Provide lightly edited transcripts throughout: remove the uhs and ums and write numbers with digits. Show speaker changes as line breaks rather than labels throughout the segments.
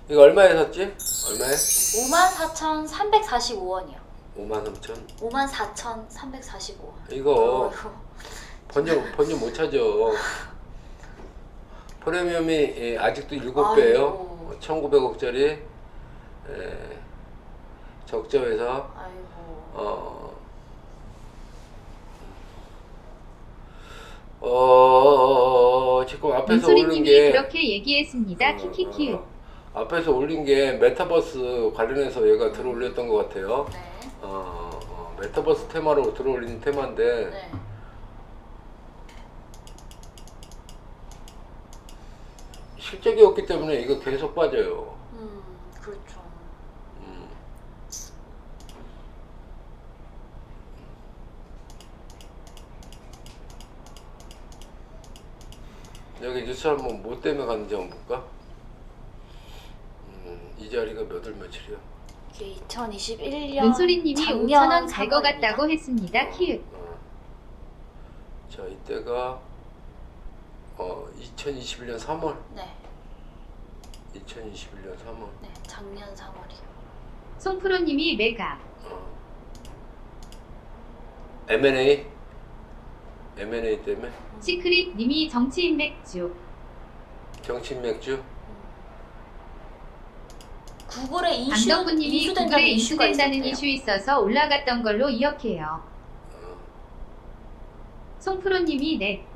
이거 얼마에 샀지? 얼마에?
54,345원이요.
53,000?
54,345원.
이거 번점 못 찾아. 프리미엄이 아직도 7배예요. 1,900억짜리 적자에서
아이고.
지금 앞에서 올린
민소리님이
게
그렇게 얘기했습니다. 키키키우.
앞에서 올린 게 메타버스 관련해서 얘가 들어올렸던 것 같아요.
네.
메타버스 테마로 들어올린 테마인데
네.
실적이 없기 때문에 이거 계속 빠져요.
그렇죠.
여기 뉴스 한번 뭐 때문에 갔는지 한번 볼까? 이 자리가 몇 월 며칠이야?
이게 2021년
민소리님이
작년
5,000원 갈 것
3월입니다.
같다고 했습니다. 키읔.
자, 이때가 2021년 3월.
네.
2021년 3월.
네. 작년 3월이요.
송프로님이 메가.
M&A 때문에
시크릿님이 정치인 맥주.
정치인 맥주.
구글에
강덕구님이
이슈된다는
구글에
이슈가
인수된다는
있었대요.
이슈 있어서 올라갔던 걸로 기억해요. 송프로님이 네.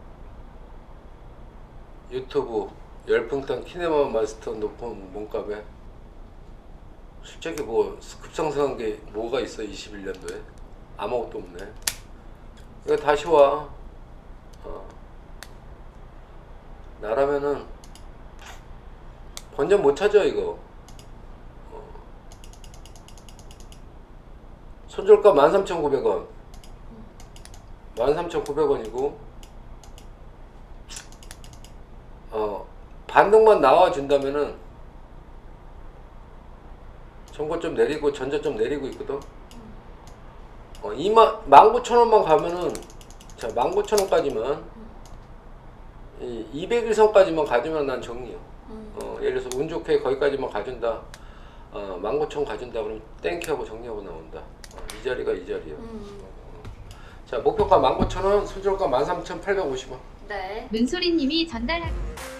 유튜브 열풍탄 키네마 마스터 높은 몸값에 솔직히 뭐 급상승한 게 뭐가 있어 21년도에 아무것도 없네. 이거 다시 와. 나라면은 번전 못 찾아 이거. 손절가 13,900원 13,900원이고 반등만 나와준다면은 전고점 내리고 전저점 내리고 있거든. 19,000원만 가면은 자 19,000원까지만 200일선까지만 가주면 난 정리요. 예를 들어서 운 좋게 거기까지만 가준다. 19,000원 가준다 그러면 땡큐하고 정리하고 나온다. 이 자리가 이 자리야. 자 목표가 19,000원, 손절가 13,850원.
네.
민소리님이 전달하.